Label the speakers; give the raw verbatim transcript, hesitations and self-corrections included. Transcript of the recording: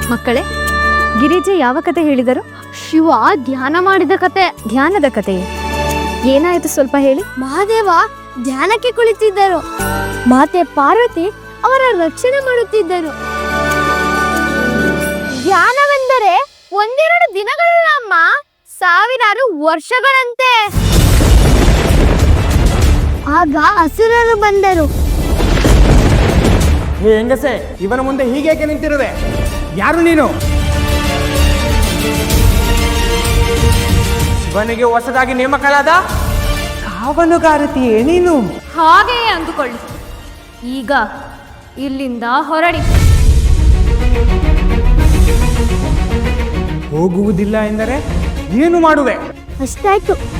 Speaker 1: ಮಕ್ಕಳೇ, ಗಿರಿಜೆ ಯಾವ ಕತೆ ಹೇಳಿದರು?
Speaker 2: ಶಿವ ಧ್ಯಾನ ಮಾಡಿದ ಕತೆ.
Speaker 1: ಧ್ಯಾನದ ಕತೆ ಏನಾಯಿತು ಸ್ವಲ್ಪ ಹೇಳಿ.
Speaker 2: ಮಹಾದೇವ ಧ್ಯಾನಕ್ಕೆ ಕುಳಿತಿದ್ದರು. ಮಾತೆ ಪಾರ್ವತಿ ಅವರ ರಕ್ಷಣೆ ಮಾಡುತ್ತಿದ್ದರು. ಧ್ಯಾನವೆಂದರೆ ಒಂದೆರಡು ದಿನಗಳಲ್ಲ ಅಮ್ಮ, ಸಾವಿರಾರು ವರ್ಷಗಳಂತೆ. ಆಗ ಅಸುರರು ಬಂದರು.
Speaker 3: ಹೇ ಹೆಂಗಸೆ, ಇವನ ಮುಂದೆ ಹೀಗೇಕೆ ನಿಂತಿರುವೆ? ಯಾರು ನೀನು? ಶಿವನಿಗೆ ಹೊಸದಾಗಿ ನೇಮಕಲಾದ ಕಾವಲುಗಾರತಿಯೇ ನೀನು?
Speaker 1: ಹಾಗೆಯೇ ಅಂದುಕೊಳ್ಳಿ. ಈಗ ಇಲ್ಲಿಂದ ಹೊರಡಿ.
Speaker 3: ಹೋಗುವುದಿಲ್ಲ ಎಂದರೆ ಏನು ಮಾಡುವೆ?
Speaker 2: ಅಷ್ಟಾಯ್ತು.